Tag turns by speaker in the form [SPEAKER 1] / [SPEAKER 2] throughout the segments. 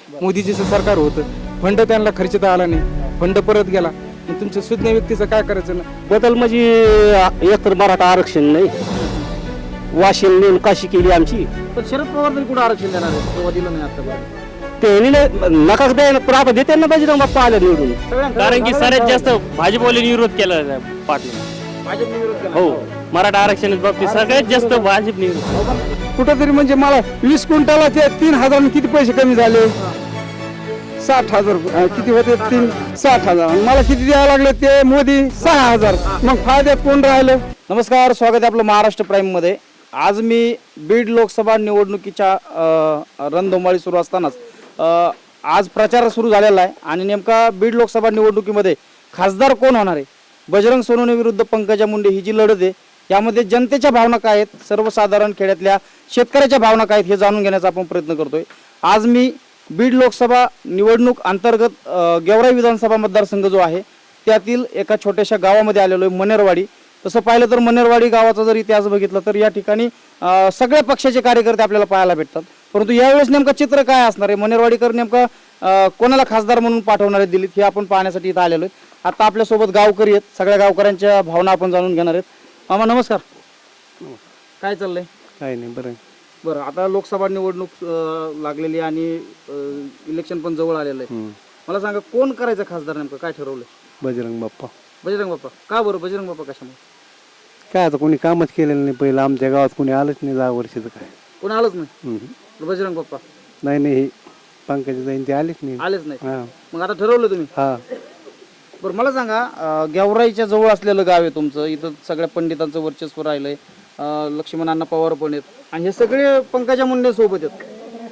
[SPEAKER 1] मोदीजीचं सरकार होतं, फंड त्यांना खर्चता आला नाही, फंड परत गेला. मग तुमच्या सुज्ञ व्यक्तीचं काय करायचं ना?
[SPEAKER 2] बदल म्हणजे एकतर मराठा आरक्षण नाही, वाशिम नेऊन काशी केली आमची.
[SPEAKER 3] पण शरद पवार तरी कुठं आरक्षण देणार आहे तेव्हा दिलं नाही आतापर्यंत.
[SPEAKER 2] ते नका द्यायला पण आता देते ना बजरंग बाप्पा आले निवडून.
[SPEAKER 4] कारण की सगळ्यात जास्त भाजपवाल्यांनी विरोध केला पाटील.
[SPEAKER 3] भाजपने विरोध केला.
[SPEAKER 4] हो, मराठा आरक्षणाच्या बाबतीत सगळ्यात जास्त भाजपने विरोध.
[SPEAKER 1] कुठंतरी म्हणजे मला 20 क्विंटलाचे 3,000 किती पैसे कमी झाले? 60,000 किती होते? 60,000. मला किती द्यावं लागले ते? मोदी 6,000. मग फायद्यात कोण राहिलं?
[SPEAKER 3] नमस्कार, स्वागत आहे आपलं महाराष्ट्र प्राईम मध्ये. आज मी बीड लोकसभा निवडणुकीच्या रणधुमाळी सुरू असतानाच आज प्रचार सुरू झालेला आहे आणि नेमका बीड लोकसभा निवडणुकीमध्ये खासदार कोण होणार आहे? बजरंग सोनवणे विरुद्ध पंकजा मुंडे ही जी लढत आहे यामध्ये जनतेच्या भावना काय आहेत, सर्वसाधारण खेड्यातल्या शेतकऱ्याच्या भावना काय आहेत हे जाणून घेण्याचा आपण प्रयत्न करतोय. आज मी बीड लोकसभा निवडणूक अंतर्गत गेवराई विधानसभा मतदारसंघ जो आहे त्यातील एका छोट्याशा गावामध्ये आलेलो आहे, मनेरवाडी. तसं पाहिलं तर मनेरवाडी गावाचा जर इतिहास बघितला तर या ठिकाणी सगळ्या पक्षाचे कार्यकर्ते आपल्याला पाहायला भेटतात. परंतु यावेळेस नेमकं चित्र काय असणार आहे, मनेरवाडीकर नेमका कोणाला खासदार म्हणून पाठवणार आहेत दिल्लीत, हे आपण पाहण्यासाठी इथं आलेलो आहे. आता आपल्यासोबत गावकरी आहेत, सगळ्या गावकऱ्यांच्या भावना आपण जाणून घेणार आहेत. मामा नमस्कार, काय चाललंय?
[SPEAKER 2] काय नाही, बरं.
[SPEAKER 3] बरं, आता लोकसभा निवडणूक लागलेली आहे आणि इलेक्शन पण जवळ आलेलं आहे. मला सांगा कोण करायचं खासदार, नेमकं काय ठरवलंय?
[SPEAKER 2] बजरंग बाप्पा.
[SPEAKER 3] बजरंग बाप्पा. का बरं बजरंग बाप्पा? कशामुळे?
[SPEAKER 2] काय आता कोणी कामच केलेलं नाही, पहिलं आमच्या गावात कोणी आलंच नाही 10 वर्षाचं. काय
[SPEAKER 3] कोण आलंच नाही? बजरंग बाप्पा
[SPEAKER 2] नाही नाही, पंकजा जाईन ते आलेच नाही.
[SPEAKER 3] आलेच नाही.
[SPEAKER 2] हा
[SPEAKER 3] मग आता ठरवलं तुम्ही?
[SPEAKER 2] हा.
[SPEAKER 3] बरं, मला सांगा गेवराईच्या जवळ असलेलं गाव आहे तुमचं, इथं सगळ्या पंडितांचं वर्चस्व राहिलंय, लक्ष्मण अण्णा पवार पण आहेत आणि हे सगळे पंकजा मुंडे सोबत आहेत.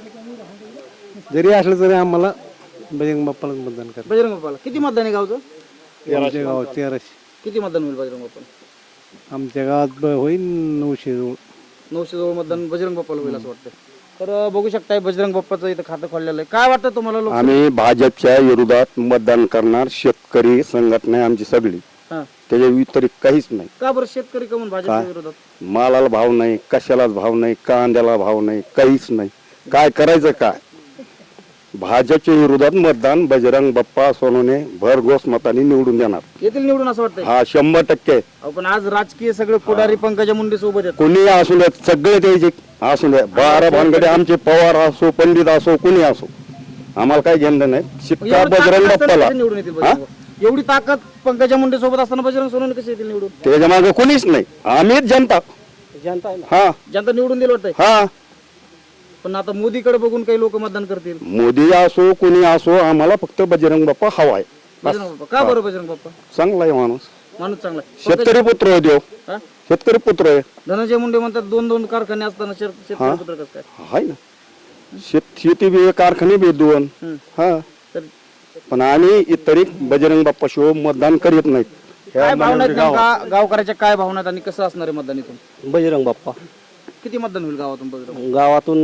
[SPEAKER 2] जरी असलं तरी आम्हाला बजरंग बाप्पालाच मतदान करा.
[SPEAKER 3] बजरंग बाप्पाला. किती मतदान आहे गावचं?
[SPEAKER 2] आमच्या गावात 1300.
[SPEAKER 3] किती मतदान होईल बजरंग बाप्पाला?
[SPEAKER 2] आमच्या गावात होईल 900 जवळ.
[SPEAKER 3] 900 जवळ मतदान बजरंग बाप्पाला होईल असं वाटतं. तर बघू शकताय बजरंग बाप्पाचं इथं खातं खोललेलं आहे. काय वाटतं तुम्हाला? लोक
[SPEAKER 5] आम्ही भाजपच्या विरोधात मतदान करणार. शेतकरी संघटना आहे आमची सगळी,
[SPEAKER 3] हा.
[SPEAKER 5] त्याच्या व्यतिरिक्त काहीच नाही.
[SPEAKER 3] का बरं शेतकरी कमून भाजपच्या विरोधात?
[SPEAKER 5] मालाला भाव नाही, कशालाच भाव नाही, कांद्याला भाव नाही, काहीच नाही. काय करायचं काय? भाजपच्या विरोधात मतदान बजरंग बाप्पा सोनवणे भरघोस मताने निवडून देणार.
[SPEAKER 3] येथील निवडून असं वाटतंय?
[SPEAKER 5] हा 100%.
[SPEAKER 3] पण आज राजकीय सगळे पुढारी पंकजा मुंडे सोबत आहेत.
[SPEAKER 5] कोणी असू द्या, सगळे त्याचे असू द्या, 12 भानगडे आमचे, पवार असो, पंडित असो, कोणी असो, आम्हाला काही घेणं नाही. शिक्का बजरंग बाप्पाला.
[SPEAKER 3] निवडून येतील बजरंग बाप्पा. एवढी ताकद पंकजा मुंडे सोबत असताना बजरंग सोनवणे कसे येतील निवडून?
[SPEAKER 5] त्याच्या मागे कोणीच नाही, आम्हीच जनता.
[SPEAKER 2] जनता आहे ना.
[SPEAKER 5] हा
[SPEAKER 3] जनता निवडून दिलं वाटतंय.
[SPEAKER 5] हा.
[SPEAKER 3] पण आता मोदीकडे बघून काही लोक मतदान करतील.
[SPEAKER 5] मोदी असो कोणी असो, आम्हाला फक्त बजरंग बाप्पा हवाय.
[SPEAKER 3] बजरंग बाप्पा. का बरं बजरंग बाप्पा?
[SPEAKER 5] चांगला आहे माणूस,
[SPEAKER 3] माणूस चांगला आहे.
[SPEAKER 5] शेतकरी पुत्र आहे देव,
[SPEAKER 3] हा?
[SPEAKER 5] शेतकरी पुत्र आहे.
[SPEAKER 3] धनंजय मुंडे म्हणतात 2-2 कारखाने असताना शेतकरी पुत्र कसं काय?
[SPEAKER 5] हाय ना, शेती बी कारखाने बी 2. हा.
[SPEAKER 3] तर
[SPEAKER 5] पण आम्ही इतर बजरंग बाप्पा शिव मतदान करीत नाहीत.
[SPEAKER 3] काय भावना आहेत नेमका गावकऱ्याच्या, काय भावना आहेत आणि कसं असणार आहे मतदान इथून?
[SPEAKER 2] बजरंग बाप्पा.
[SPEAKER 3] किती मतदान होईल गावातून बजरंग?
[SPEAKER 2] गावातून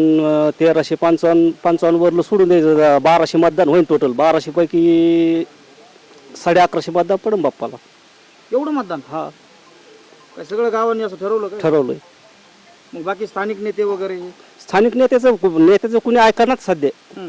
[SPEAKER 2] 1355 वरलं सोडून द्यायचं, 1200 मतदान होईल टोटल. 1200 पैकी 1150 मतदान पडून बाप्पाला.
[SPEAKER 3] एवढं मतदान?
[SPEAKER 2] हा,
[SPEAKER 3] काय सगळं गावांनी असं ठरवलं काय?
[SPEAKER 2] ठरवलंय.
[SPEAKER 3] मग बाकी स्थानिक नेते वगैरे?
[SPEAKER 2] स्थानिक नेत्याचं कुणी ऐकणार सध्या.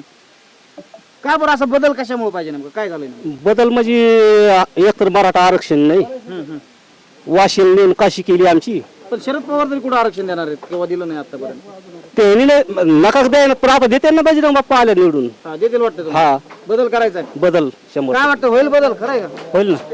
[SPEAKER 3] का बरं असा बदल कशामुळे पाहिजे, नेमकं काय झालं?
[SPEAKER 2] बदल म्हणजे एकतर मराठा आरक्षण नाही, वाशिम नेऊन काशी केली आमची.
[SPEAKER 3] पण शरद पवार तरी कुठं आरक्षण देणार आहेत किंवा दिलं नाही आतापर्यंत?
[SPEAKER 2] ते नका द्यायला पण आता देते ना बजरंग बाप्पा आले निवडून.
[SPEAKER 3] हा, देतील वाटतं तुम्हाला?
[SPEAKER 2] हा,
[SPEAKER 3] बदल करायचा आहे?
[SPEAKER 2] बदल 100
[SPEAKER 3] काय वाटतं, होईल बदल? खरं आहे का?
[SPEAKER 2] होईल ना.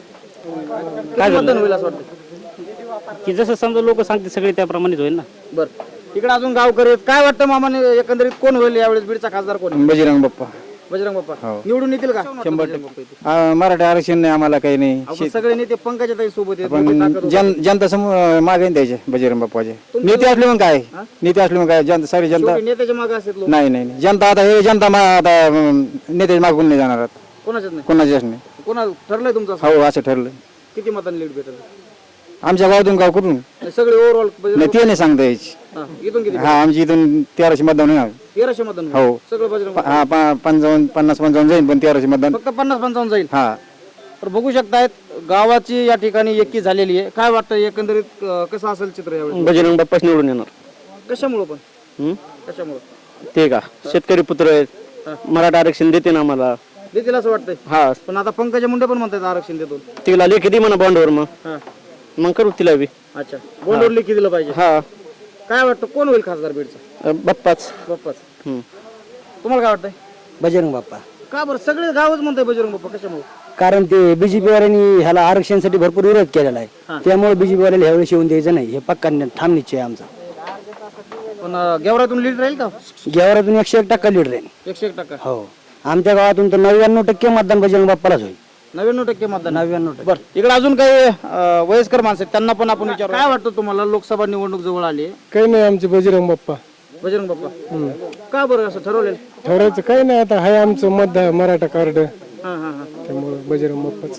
[SPEAKER 3] किती मतदान होईल असं वाटतं?
[SPEAKER 4] की जसं समजा लोक सांगते सगळे त्याप्रमाणेच होईल ना.
[SPEAKER 3] बरं, इकडे अजून गावकरी आहेत. काय वाटतं मामाने, एकंदरीत कोण होईल यावेळेस बीडचा खासदार? कोण?
[SPEAKER 1] बजरंग बाप्पा.
[SPEAKER 3] बजरंग बाप्पा निवडून येतील का?
[SPEAKER 1] 100%. मराठा आरक्षण नाही आम्हाला, काही नाही.
[SPEAKER 3] आपण सगळे नेते पंकजा ताई सोबत आहेत, मोठी ताकद
[SPEAKER 1] पण
[SPEAKER 3] होती.
[SPEAKER 1] जनता समोर मागे द्यायचे बजरंग बाप्पाचे. नेते असले मग काय, नेते असले मग काय, जनता सारी जनता.
[SPEAKER 3] शेवटी नेत्याच्या मागे असतात लोक.
[SPEAKER 1] नाही नाही नाही. जनता आता हे जनता आता नेते मागून नाही जाणार,
[SPEAKER 3] कोणाच्याच नाही.
[SPEAKER 1] कोणाचेच नाही.
[SPEAKER 3] कोणा ठरलंय तुमचं असं?
[SPEAKER 1] हो, असं ठरलं.
[SPEAKER 3] किती मतदान लीड भेटेल?
[SPEAKER 1] आमच्या गावातून गाव करून
[SPEAKER 3] सगळे ओव्हरऑल
[SPEAKER 1] नाही ते नाही सांगता यायची.
[SPEAKER 3] इथून किती?
[SPEAKER 1] हा, आमची इथून 1300 मतदान होणार.
[SPEAKER 3] 1300 मतदान होईल.
[SPEAKER 1] हो.
[SPEAKER 3] सगळं बजरंग
[SPEAKER 1] हा, 50-55 जाईल, पण 1300 मतदान.
[SPEAKER 3] फक्त 50-55 जाईल.
[SPEAKER 1] हा.
[SPEAKER 3] तर बघू शकतायत गावाची या ठिकाणी एकी झालेली आहे. काय वाटतं एकंदरीत कसं असेल चित्र यावेळी?
[SPEAKER 2] बजरंग बाप्पाच निवडून येणार.
[SPEAKER 3] कशामुळं पण? कशामुळं?
[SPEAKER 2] ते का शेतकरी पुत्र आहेत, मराठा आरक्षण देते ना आम्हाला.
[SPEAKER 3] देतील असं वाटतंय.
[SPEAKER 2] हा,
[SPEAKER 3] पण आता पंकजा मुंडे पण म्हणतात आरक्षण देतो.
[SPEAKER 2] तिला लेखी दे म्हणा बॉन्डवर,
[SPEAKER 3] हा.
[SPEAKER 2] मग करू तिला बी.
[SPEAKER 3] अच्छा, बोलवलं लेखी दिलं पाहिजे.
[SPEAKER 2] हा,
[SPEAKER 3] काय वाटतं कोण होईल खासदार बीडचा?
[SPEAKER 2] बाप्पाच.
[SPEAKER 3] बाप्पाच. तुम्हाला काय वाटतंय?
[SPEAKER 6] बजरंग बाप्पा.
[SPEAKER 3] का बरं सगळे गावच म्हणताय बजरंग बाप्पा, कशामुळे?
[SPEAKER 6] कारण ते बीजेपी वाल्यांनी ह्याला आरक्षणासाठी भरपूर विरोध केलेला आहे, त्यामुळे बीजेपी वाल्याला ह्यावेळेस येऊन द्यायचं नाही, हे पक्का ठाम निश्चय आहे आमचा.
[SPEAKER 3] पण गेवरातून लीड राहील का?
[SPEAKER 6] गेवरातून 101% लीड राहील.
[SPEAKER 3] 101%.
[SPEAKER 6] हो, आमच्या गावातून तर 99% मतदान बजरंग बाप्पालाच होईल.
[SPEAKER 3] 99% मतदान.
[SPEAKER 6] 99%.
[SPEAKER 3] बरं, इकडे अजून काही वयस्कर माणसं आहेत, त्यांना पण आपण विचारू. काय वाटतं तुम्हाला? लोकसभा निवडणूक जवळ आली आहे.
[SPEAKER 1] काही नाही, आमचे बजरंग बाप्पा.
[SPEAKER 3] बजरंग बाप्पा. का बरं असं ठरवलेलं?
[SPEAKER 1] ठरवायचं काही नाही, आता हाय आमचं मतदार मराठा कार्ड,
[SPEAKER 3] हां हां हां.
[SPEAKER 1] त्यामुळे बजरंग बाप्पाच.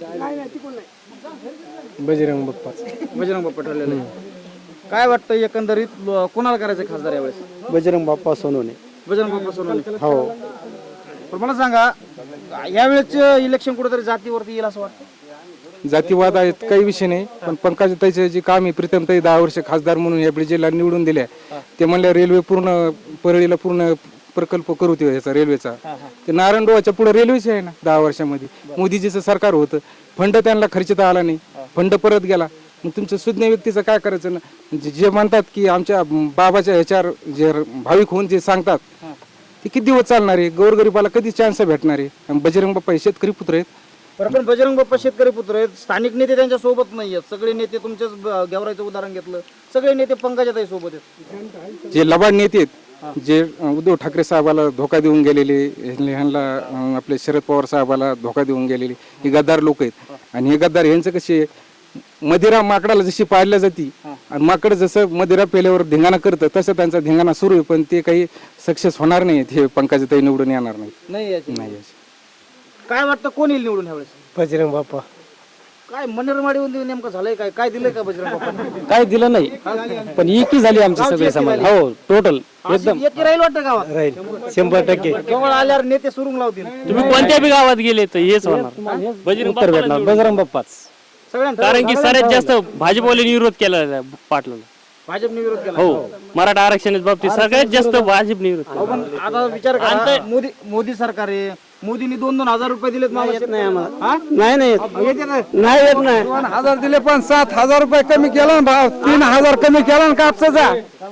[SPEAKER 1] बजरंग बाप्पाच.
[SPEAKER 3] बजरंग बाप्पा ठरलेलं आहे. काय वाटतं एकंदरीत कोणाला करायचं खासदार यावेळेस?
[SPEAKER 2] बजरंग बाप्पा सोनवणे.
[SPEAKER 3] बजरंग बाप्पा सोनवणे.
[SPEAKER 1] हो.
[SPEAKER 3] पण मला सांगा, यावेळेस इलेक्शन कुठेतरी जातीवरती येईल असं वाटतं?
[SPEAKER 1] जातीवाद आहेत काही विषय नाही, पण पंकजाताईचे जे काम आहे, प्रीतमताई 10 वर्ष खासदार म्हणून या जिल्हा निवडून दिल्या, ते म्हणल्या रेल्वे पूर्ण परळीला पूर्ण प्रकल्प करू ते याचा रेल्वेचा. ते नारायणगावाच्या पुढे रेल्वेच आहे ना 10 वर्षामध्ये. मोदीजीचं सरकार होतं, फंड त्यांना खर्चता आला नाही, फंड परत गेला. मग तुमच्या सुज्ञ व्यक्तीचं काय करायचं ना? जे म्हणतात की आमच्या बाबाच्या ह्याच्यावर जे भाविक होऊन जे सांगतात ते किती दिवस चालणार आहे? गोरगरीबाला कधी चान्स भेटणार आहे? बजरंग बाप्पा हे शेतकरी पुत्र आहेत.
[SPEAKER 3] पण बजरंग बाप्पा शेतकरी पुत्र आहेत, स्थानिक नेते त्यांच्या सोबत नाही आहेत. सगळे नेते तुमच्याच गेवराईचं उदाहरण घेतलं, सगळे नेते पंकजाताई सोबत आहेत.
[SPEAKER 1] जे लबाड नेते आहेत, जे उद्धव ठाकरे साहेबाला धोका देऊन गेलेले, ह्यांना आपले शरद पवार साहेबाला धोका देऊन गेलेले, हे गद्दार लोक आहेत. आणि हे गद्दार यांचं कसे, मदिरा माकडाला जशी पाळल्या जाती आणि माकड जसं मदिरा पेल्यावर धिंगाणा करतं तसं त्यांचा धिंगाणा सुरू आहे, पण ते काही सक्सेस होणार नाही. हे पंकजाताई निवडून येणार नाही. नाही.
[SPEAKER 3] काय वाटतं कोण येईल निवडून ह्यावेळेस?
[SPEAKER 6] बजरंग बाप्पा.
[SPEAKER 3] काय मनरमाडीमध्ये नेमकं झालंय? काय दिलंय का बजरंग बाप्पा?
[SPEAKER 6] काय दिलं नाही, पण एकी झाली आमची सगळे समाज. हो, टोटल एकदम
[SPEAKER 3] येते राहील वाटतं गावात?
[SPEAKER 6] राहील 100%.
[SPEAKER 3] केवळ आल्यावर नेते सुरुंग लावतील.
[SPEAKER 4] तुम्ही कोणत्या बी गावात गेले तर हेच होणार, बजरंग
[SPEAKER 6] उत्तर भेटणार
[SPEAKER 4] बाप्पाला.
[SPEAKER 6] बजरंग बाप्पाच.
[SPEAKER 3] सगळ्यांना
[SPEAKER 4] कारण की सगळ्यात जास्त भाजपवाल्यांनी विरोध केला पाटलाला.
[SPEAKER 3] भाजपने विरोध केला.
[SPEAKER 4] हो, मराठा आरक्षणाच्या बाबतीत सगळ्यात जास्त भाजपने विरोध केला.
[SPEAKER 3] पण आता विचार करा, मोदी सरकार आहे, मोदींनी 2,000 रुपये दिलेत.
[SPEAKER 6] नाही आम्हाला.
[SPEAKER 3] हा?
[SPEAKER 6] नाही नाही
[SPEAKER 3] येते ना?
[SPEAKER 6] नाही येत नाही.
[SPEAKER 1] 2,000 दिले, पण 7,000 रुपये कमी केला ना भाव. 3,000 कमी केला ना कापसाचा.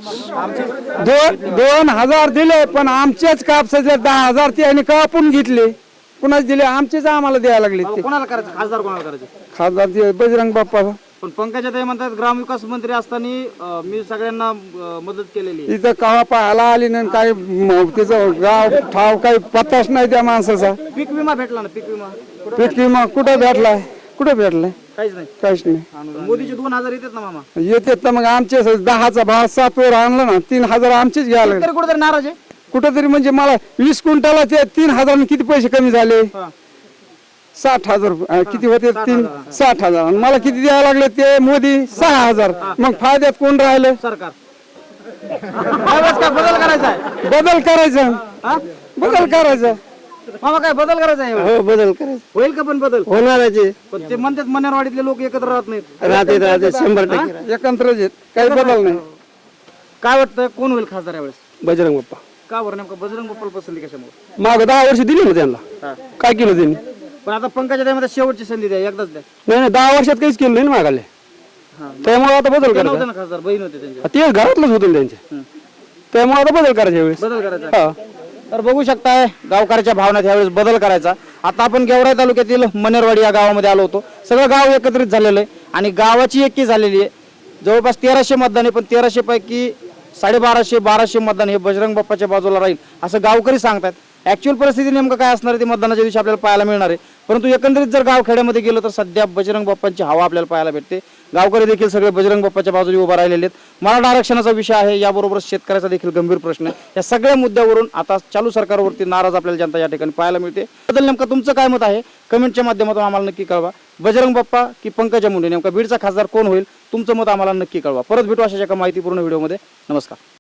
[SPEAKER 1] 2,000 दिले, पण आमचेच कापसाचे 10,000 त्यांनी कापून घेतले. कुणाच दिले? आमचेच आम्हाला द्यायला लागले. ते
[SPEAKER 3] कोणाला करायचं खासदार? कोणाला करायचं?
[SPEAKER 1] खासदार ते बजरंग बाप्पा.
[SPEAKER 3] पण पंकजाताई म्हणतात ग्रामविकास मंत्री असताना मी सगळ्यांना मदत केलेली आहे.
[SPEAKER 1] इथं कवा पाहायला आली नाही, काय तिचं गाव ठाव काही पत्ताच नाही त्या माणसाचा.
[SPEAKER 3] पीक विमा भेटला ना? पीक विमा
[SPEAKER 1] पीक विमा कुठं भेटलाय? कुठं भेटलाय?
[SPEAKER 3] काहीच नाही.
[SPEAKER 1] काहीच नाही.
[SPEAKER 3] मोदीचे 2,000 येतात ना मामा.
[SPEAKER 1] येतात तर मग आमचे 10चा भाव 7 वर आणलं ना, 3,000 आमचेच घ्यायला लागले.
[SPEAKER 3] तरी कुठेतरी नाराज आहे.
[SPEAKER 1] कुठंतरी म्हणजे मला 20 क्विंटला ते 3,000 किती पैसे कमी झाले? 60,000 किती होते? 60,000. आणि मला किती द्यायला लागले ते मोदी? 6,000. मग फायद्यात कोण राहिलं?
[SPEAKER 3] सरकार. यावेळेस काय बदल करायचा आहे?
[SPEAKER 1] बदल करायचा. बदल करायचा.
[SPEAKER 3] मामा काय बदल करायचा आहे?
[SPEAKER 6] हो, बदल करायचं.
[SPEAKER 3] होईल का पण बदल?
[SPEAKER 6] होणाराचे.
[SPEAKER 3] पण ते म्हणतात मनेरवाडीतले लोक एकत्र राहत नाहीत.
[SPEAKER 6] राहते 100%.
[SPEAKER 1] एकत्रच आहेत, काही बदल नाही.
[SPEAKER 3] काय वाटतं कोण होईल खासदार यावेळेस?
[SPEAKER 6] बजरंग बाप्पा.
[SPEAKER 3] का बरं नेमकं बजरंग बाप्पाला पसंती कशामुळे?
[SPEAKER 6] माग 10 वर्ष दिली ना त्यांना. काय केलं त्यांनी?
[SPEAKER 3] पण आता पंकजाताईमध्ये शेवटची संधी द्या, एकदाच द्या.
[SPEAKER 6] नाही 10 वर्षात काहीच केलं नाही ना मागाले. त्यामुळे आता बदल
[SPEAKER 3] ते
[SPEAKER 6] करायचा.
[SPEAKER 3] नव्हते ना खासदार, बहीण होते त्यांच्या.
[SPEAKER 6] ते घरातलंच होतं ना त्यांच्या. त्यामुळे आता बदल करायच्या वेळेस.
[SPEAKER 3] बदल करायचा. तर बघू शकताय गावकऱ्याच्या भावनात यावेळेस बदल करायचा. आता आपण गेवराई तालुक्यातील मनेरवाडी या गावामध्ये आलो होतो. सगळं गाव एकत्रित झालेलं आहे आणि गावाची एकी झालेली आहे. जवळपास 1,300 मतदान आहे, पण 1,300 पैकी 1,250-1,200 मतदान हे बजरंग बाप्पाच्या बाजूला राहील असं गावकरी सांगतात. ऍक्च्युअल परिस्थिती नेमकं काय असणार आहे ते मतदानाच्या दिवशी आपल्याला पाहायला मिळणार आहे. परंतु एकंदरीत जर गाव खेड्यामध्ये गेलो तर सध्या बजरंग बाप्पांची हवा आपल्याला पाहायला भेटते. गावकरी देखील सगळे बजरंग बाप्पाच्या बाजूने उभा राहिलेले आहेत. मराठा आरक्षणाचा विषय आहे, याबरोबरच शेतकऱ्याचा देखील गंभीर प्रश्न आहे. या सगळ्या मुद्द्यावरून आता चालू सरकारवरती नाराज आपल्याला जनता या ठिकाणी पाहायला मिळते. बदल नेमकं तुमचं काय मत आहे कमेंटच्या माध्यमातून आम्हाला नक्की कळवा. बजरंग बाप्पा की पंकजा मुंडे, नेमका बीडचा खासदार कोण होईल? तुमचं मत आम्हाला नक्की कळवा. परत भेटू अशाच एका माहितीपूर्ण व्हिडिओमध्ये. नमस्कार.